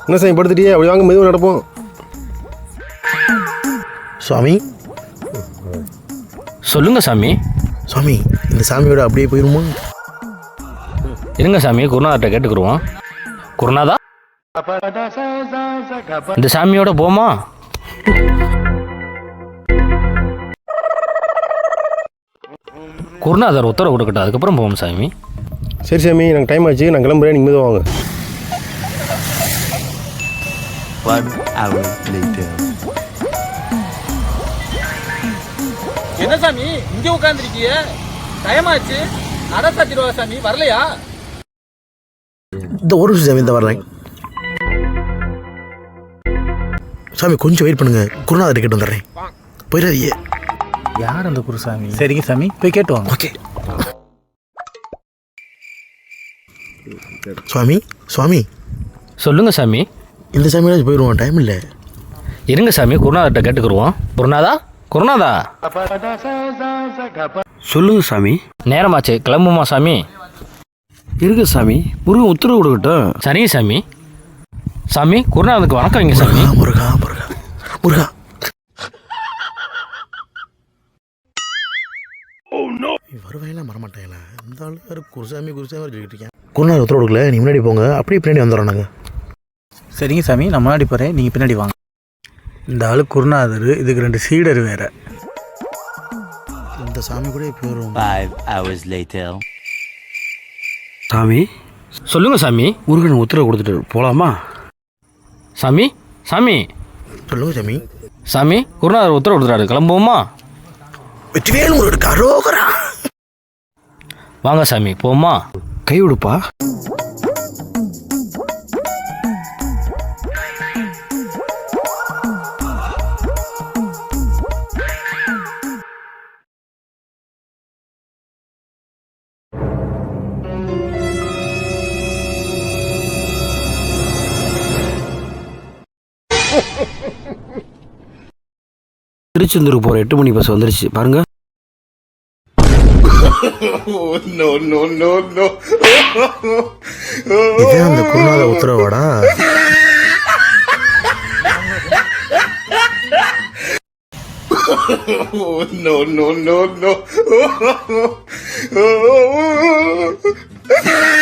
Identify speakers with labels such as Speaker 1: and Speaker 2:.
Speaker 1: என்ன சாமி படுத்துட்டியே? அப்படி வாங்க, மெதுவாக நடப்போம்.
Speaker 2: சுவாமி.
Speaker 3: சொல்லுங்க சாமி.
Speaker 2: சுவாமி, இந்த சாமியோட அப்படியே போயிருமா?
Speaker 3: இருங்க சாமி, குருநாதர்கிட்ட கேட்டுக்குருவோம். குருநாதா, இந்த சாமியோட போமா? குருநாதர் உத்தரவு கொடுக்கட்டும், அதுக்கப்புறம் போவோம் சாமி.
Speaker 1: சரி சாமி, நாங்கள் டைம் ஆச்சு, நான் கிளம்புறேன், நீங்கள் மெதுவாக வாங்க.
Speaker 4: 1 hour later.
Speaker 5: என்ன சாமி இங்கே உட்காந்துருக்கீங்க? டைம் ஆச்சு, நட சாத்திடுவா சாமி, வரலையா?
Speaker 2: இந்த ஒரு நிமிஷம் சாமி, இந்த வரேன். சாமி கொஞ்சம் வெயிட் பண்ணுங்க, குருநாதர் கேட்டு வந்துடுறேன். போயிடாதீங்க.
Speaker 6: யார் அந்த குருசாமி? சரிங்க சாமி, போய் கேட்டு வாங்க.
Speaker 2: ஓகே. சுவாமி. சுவாமி,
Speaker 3: சொல்லுங்க சாமி.
Speaker 2: இந்த சாமியோட போயிடுவோம், டைம் இல்லை.
Speaker 3: இருங்க சாமி, குருநாதர்கிட்ட கேட்டுக்குருவோம். குருநாதா, குருநாதா.
Speaker 7: சொல்லுங்க சாமி.
Speaker 3: நேரமாச்சு, கிளம்புமா சாமி?
Speaker 7: இருக்கு சாமி, முருகன் உத்தரவு கொடுக்கட்டும்.
Speaker 3: சரிங்க சாமி. சாமி, குருநாதருக்கு வணக்கம் வைங்க சாமி.
Speaker 2: முருகா முருகா முருகா. வருவாயெல்லாம் வரமாட்டேங்களா? இந்த ஆளு வேறு குருசாமி குருசாமி சொல்லிட்டு இருக்கேன். குருநாதர் உத்தரவு கொடுக்கல, நீ முன்னாடி போங்க, அப்படியே பின்னாடி வந்துடுறோம் நாங்கள்.
Speaker 6: சரிங்க சாமி, நான் முன்னாடி போகிறேன், நீங்கள் பின்னாடி வாங்க. இந்த ஆளு குருநாதர், இதுக்கு 2 சீடர் வேறு.
Speaker 2: இந்த சாமி கூட போயிடும்.
Speaker 4: 5 hours later.
Speaker 7: சாமி.
Speaker 3: சொல்லுங்க சாமி.
Speaker 7: முருகன் உத்தரவு கொடுத்துட்டு போகலாமா?
Speaker 3: சாமி. சாமி.
Speaker 2: சொல்லுங்க சாமி.
Speaker 3: சாமி, குருநாதர் உத்தரவு கொடுத்துறாரு, கிளம்புவோமா?
Speaker 2: வெற்றிவேல் முருகனுக்கு அரோகரா.
Speaker 3: வாங்க சாமி, போமா?
Speaker 7: கை விடுப்பா. திருச்செந்தூருக்கு போகிற 8 மணி பஸ் வந்துருச்சு பாருங்க.
Speaker 2: இதே அந்த குருநாத உத்தரவாடா?
Speaker 1: No.